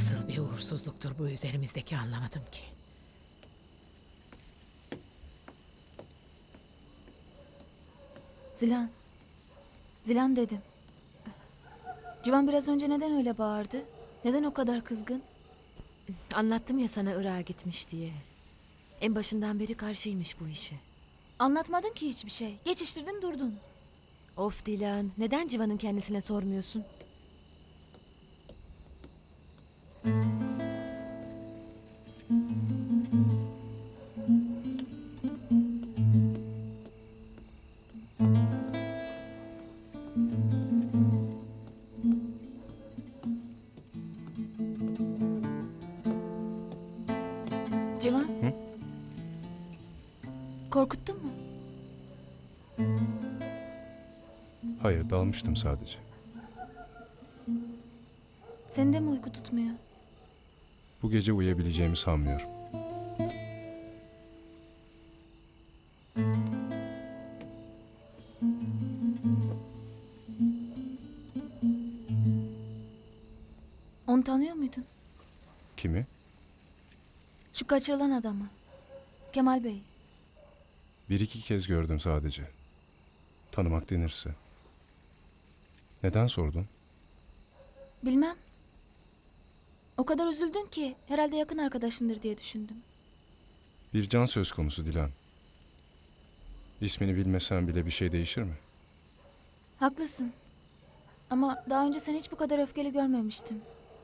Nasıl bir uğursuzluktur bu üzerimizdeki anlamadım ki. Zilan. Zilan dedim. Civan biraz önce neden öyle bağırdı? Neden o kadar kızgın? Anlattım ya sana Irak'a gitmiş diye. En başından beri karşıymış bu işe. Anlatmadın ki hiçbir şey. Geçiştirdin durdun. Of Dilan, neden Civan'ın kendisine sormuyorsun? Civan. Korkuttun mu? Hayır, dalmıştım sadece. Seni de mi uyku tutmuyor? Bu gece uyuyabileceğimi sanmıyorum. Onu tanıyor muydun? Kimi? Şu kaçırılan adamı. Kemal Bey. Bir iki kez gördüm sadece. Tanımak denirse. Neden sordun? Bilmem. O kadar üzüldün ki herhalde yakın arkadaşındır diye düşündüm. Bir can söz konusu Dilan. İsmini bilmesen bile bir şey değişir mi? Haklısın. Ama daha önce seni hiç bu kadar öfkeli görmemiştim.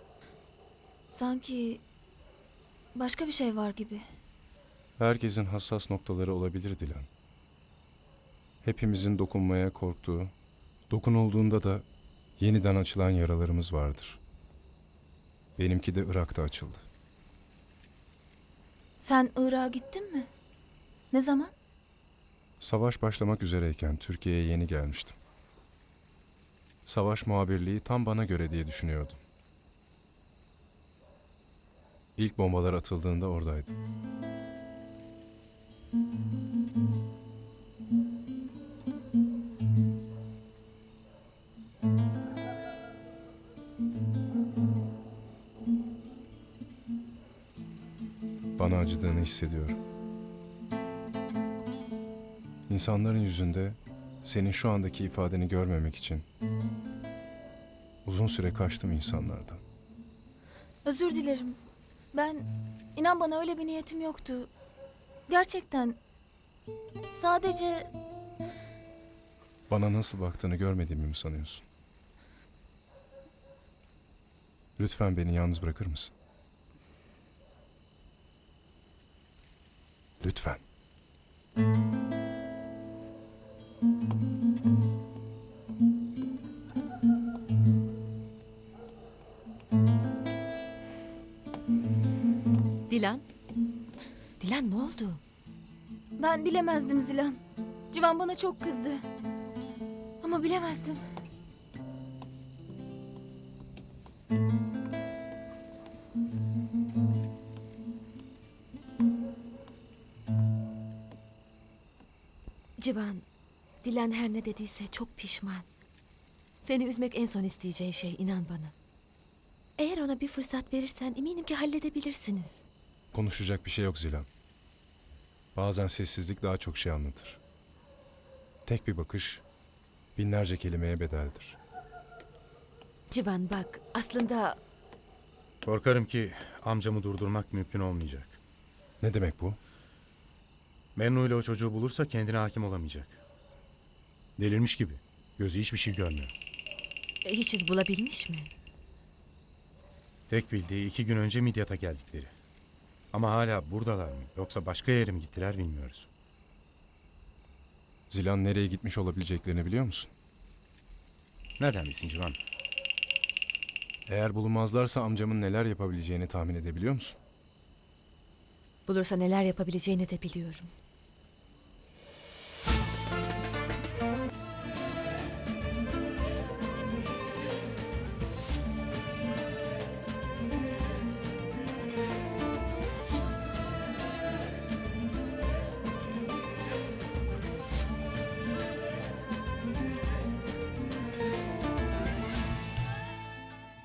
Sanki başka bir şey var gibi. Herkesin hassas noktaları olabilir Dilan. Hepimizin dokunmaya korktuğu, dokunulduğunda da yeniden açılan yaralarımız vardır. Benimki de Irak'ta açıldı. Sen Irak'a gittin mi? Ne zaman? Savaş başlamak üzereyken Türkiye'ye yeni gelmiştim. Savaş muhabirliği tam bana göre diye düşünüyordum. İlk bombalar atıldığında oradaydım. Bana acıdığını hissediyorum. İnsanların yüzünde senin şu andaki ifadeni görmemek için uzun süre kaçtım insanlardan. Özür dilerim. Ben, inan bana öyle bir niyetim yoktu. Gerçekten. Sadece Bana nasıl baktığını görmediğimi mi sanıyorsun? Lütfen beni yalnız bırakır mısın? Lütfen. Dilan? Dilan ne oldu? ben bilemezdim Zilan. Civan bana çok kızdı. Ama bilemezdim. Civan, Dilan her ne dediyse çok pişman. Seni üzmek en son isteyeceği şey, inan bana. Eğer ona bir fırsat verirsen eminim ki halledebilirsiniz. Konuşacak bir şey yok Zilan. Bazen sessizlik daha çok şey anlatır. Tek bir bakış binlerce kelimeye bedeldir. Civan bak, aslında Korkarım ki amcamı durdurmak mümkün olmayacak. Ne demek bu? Mennu ile o çocuğu bulursa kendine hakim olamayacak. Delirmiş gibi. Gözü hiçbir şey görmüyor. hiç iz bulabilmiş mi? Tek bildiği 2 gün önce Midyat'a geldikleri. Ama hala buradalar mı yoksa başka yere mi gittiler bilmiyoruz. Zilan nereye gitmiş olabileceklerini biliyor musun? Nereden bilsin Civan? Eğer bulunmazlarsa amcamın neler yapabileceğini tahmin edebiliyor musun? Bulursa neler yapabileceğini de biliyorum.